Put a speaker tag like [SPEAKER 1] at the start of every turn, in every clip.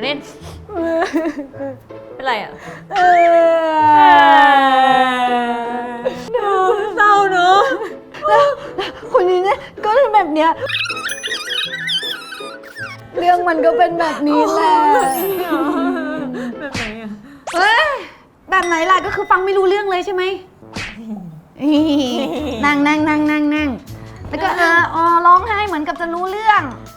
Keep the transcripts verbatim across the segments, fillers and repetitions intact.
[SPEAKER 1] เน่นเป็นไรอ่ะเศร้าเนอะ
[SPEAKER 2] คนนี้เนี่ยก็เป็นแบบเนี้ยเรื่องมันก็เป็นแบบนี้แหละ
[SPEAKER 1] แบบไหนอ่ะ
[SPEAKER 2] เฮ้ยแบบไหนล่ะก็คือฟังไม่รู้เรื่องเลยใช่ไหมนั่งนั่งนั่งนั่งนั่งแล้วก็เอออ๋อร้องไห้เหมือนกับจะรู้เรื่อง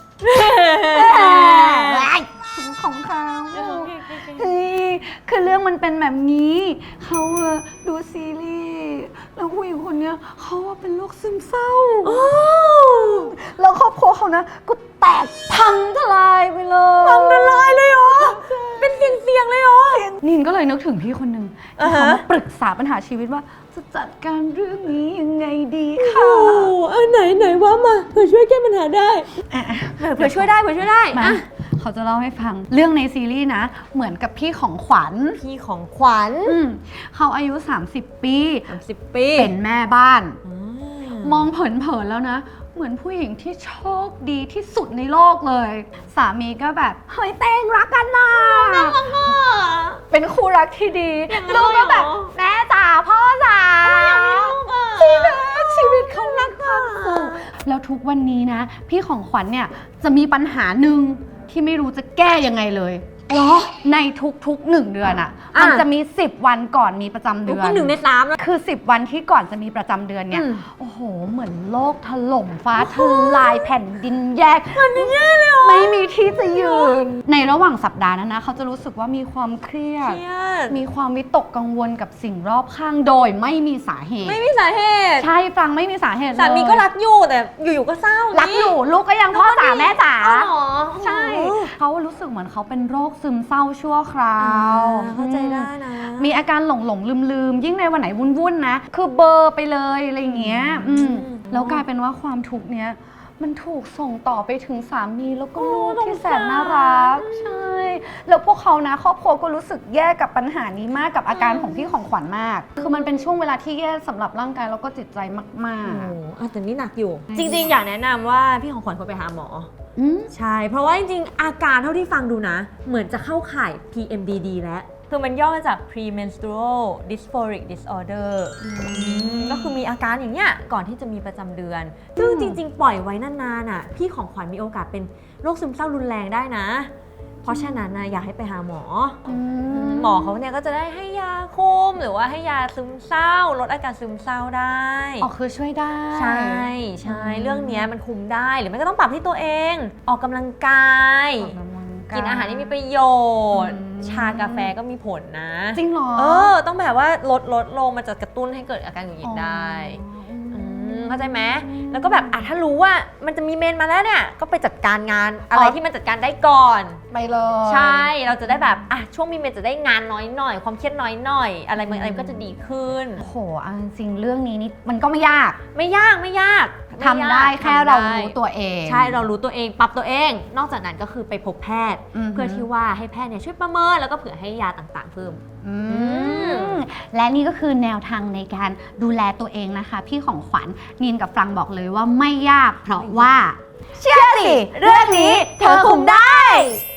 [SPEAKER 2] ของเขาเฮ้ยคือเรื่องมันเป็นแบบนี้เขาดูซีรีส์แล้วผู้หญิงคนเนี้ยเขาเป็นโรคซึมเศร้าแล้วครอบครัวเขานะก็แตกพังทลายไปเลย
[SPEAKER 1] พังทลายเลยเหรอเป็นเสียงเสียงเลยเหรอ
[SPEAKER 2] นินก็เลยนึกถึงพี่คนหนึ่งที่เขามาปรึกษาปัญหาชีวิตว่าจะจัดการเรื่องนี้ยังไงดีค่ะ
[SPEAKER 1] โอ้เออไหนไหนว่ามาเผื่อช่วยแก้ปัญหาได้เผื่อช่วยได้เผื่อช่วยได้
[SPEAKER 2] มาเขาจะเล่าให้ฟังเรื่องในซีรีส์นะเหมือนกับพี่ของขวัญ
[SPEAKER 1] พี่ของขวัญ
[SPEAKER 2] เขาอายุสามสิบปี
[SPEAKER 1] สามสิบปี
[SPEAKER 2] เป็นแม่บ้านมองเผินๆแล้วนะเหมือนผู้หญิงที่โชคดีที่สุดในโลกเลยสามีก็แบบเฮ้ยเต้งรักกันนะเป็นคู่รักที่ดีลูกก็แบบแม่จ๋าพ่อจ๋าชีวิตชีวิตเขารักความสุขแล้วทุกวันนี้นะพี่ของขวัญเนี่ยจะมีปัญหาหนึ่งที่ไม่รู้จะแก้ยังไงเลยเหรอในทุกๆหนึ่งเดือนอ่ะมันจะมีสิบวันก่อนมีประจำเดือน
[SPEAKER 1] ก็หนึ่งในสามแล้ว
[SPEAKER 2] คือสิบวันที่ก่อนจะมีประจำเดือนเนี่ยโอ้โหเหมือนโลกถล่มฟ้าทลายแผ่นดินแยก
[SPEAKER 1] แผ่นดินแยกเลยเหรอ
[SPEAKER 2] ไม่มีที่จะยืนในระหว่างสัปดาห์นั้นนะเขาจะรู้สึกว่ามีความเครียดมีความวิตกกังวลกับสิ่งรอบข้างโดยไม่มีสาเหตุ
[SPEAKER 1] ไม่มีสาเหตุ
[SPEAKER 2] ใช่ฟังไม่มีสาเหตุ
[SPEAKER 1] สามีก็รักอยู่แต่อยู่ๆก็เศร้า
[SPEAKER 2] รักอยู่ลูกก็ยังพ่อจ๋าแม่จ๋า
[SPEAKER 1] ใช่
[SPEAKER 2] เขารู้สึกเหมือนเขาเป็นโรคซึมเศร้าชั่วคราว
[SPEAKER 1] เข้าใจได้นะ
[SPEAKER 2] มีอาการหลงหลงลืมลืมยิ่งในวันไหนวุ่นๆนะคือเบอร์ไปเลยอะไรอย่างเงี้ยแล้วกลายเป็นว่าความทุกข์เนี้ยมันถูกส่งต่อไปถึงสามีแล้วก็ลูกที่แสนน่ารักใช่แล้วพวกเขานะครอบครัวก็รู้สึกแย่กับปัญหานี้มากกับอาการของพี่ของขวัญมากคือมันเป็นช่วงเวลาที่แย่สำหรับร่างกายแล้วก็จิตใจมากๆ
[SPEAKER 1] โอ้แต่นี่หนักอยู่จริงๆอยากแนะนำว่าพี่ของขวัญควรไปหาหมอใช่เพราะว่าจริงๆอาการเท่าที่ฟังดูนะเหมือนจะเข้าข่าย พี เอ็ม ดี ดี แล้วคือมันย่อมาจาก premenstrual dysphoric disorder ก็คือมีอาการอย่างเงี้ยก่อนที่จะมีประจำเดือนซึ่งจริงๆปล่อยไว้นานๆอ่ะพี่ของขวัญมีโอกาสเป็นโรคซึมเศร้ารุนแรงได้นะเพราะฉะนั้นนะอยากให้ไปหาหมอหมอเขาเนี่ยก็จะได้ให้ยาคุมหรือว่าให้ยาซึมเศร้าลดอาการซึมเศร้าได้
[SPEAKER 2] อ๋อคือช่วยได้
[SPEAKER 1] ใช่ใช่เรื่องนี้มันคุมได้หรือไม่ก็ต้องปรับที่ตัวเองออกกำลังกายกินอาหารที่มีประโยชน์ชากาแฟก็มีผลนะ
[SPEAKER 2] จริงเหรอ
[SPEAKER 1] เออต้องแบบว่าลดลดลงมันจะกระตุ้นให้เกิดอาการหงุดหงิดได้เข้าใจไหมแล้วก็แบบอ่ะถ้ารู้ว่ามันจะมีเมนมาแล้วเนี่ยก็ไปจัดการงานอะไรที่มันจัดการได้ก่อน
[SPEAKER 2] ไปเลย
[SPEAKER 1] ใช่เราจะได้แบบอ่ะช่วงมีเมนจะได้งานน้อยหน่อยความเครียดน้อยหน่อยอะไรมันอะไรก็จะดีขึ้น
[SPEAKER 2] โอ้โหจริงเรื่องนี้นี่มันก็ไม่ยาก
[SPEAKER 1] ไม่ยากไม่ยาก
[SPEAKER 2] ทำได้แค่เรารู้ตัวเอง
[SPEAKER 1] ใช่เรารู้ตัวเองปรับตัวเองนอกจากนั้นก็คือไปพบแพทย์เพื่อที่ว่าให้แพทย์เนี่ยช่วยประเมินแล้วก็เผื่อให้ยาต่างๆเพิ่ม
[SPEAKER 2] และนี่ก็คือแนวทางในการดูแลตัวเองนะคะพี่ของขวัญนินกับฟรังบอกเลยว่าไม่ยากเพราะว่าเชื่อสิเรื่องนี้เธอคุมได้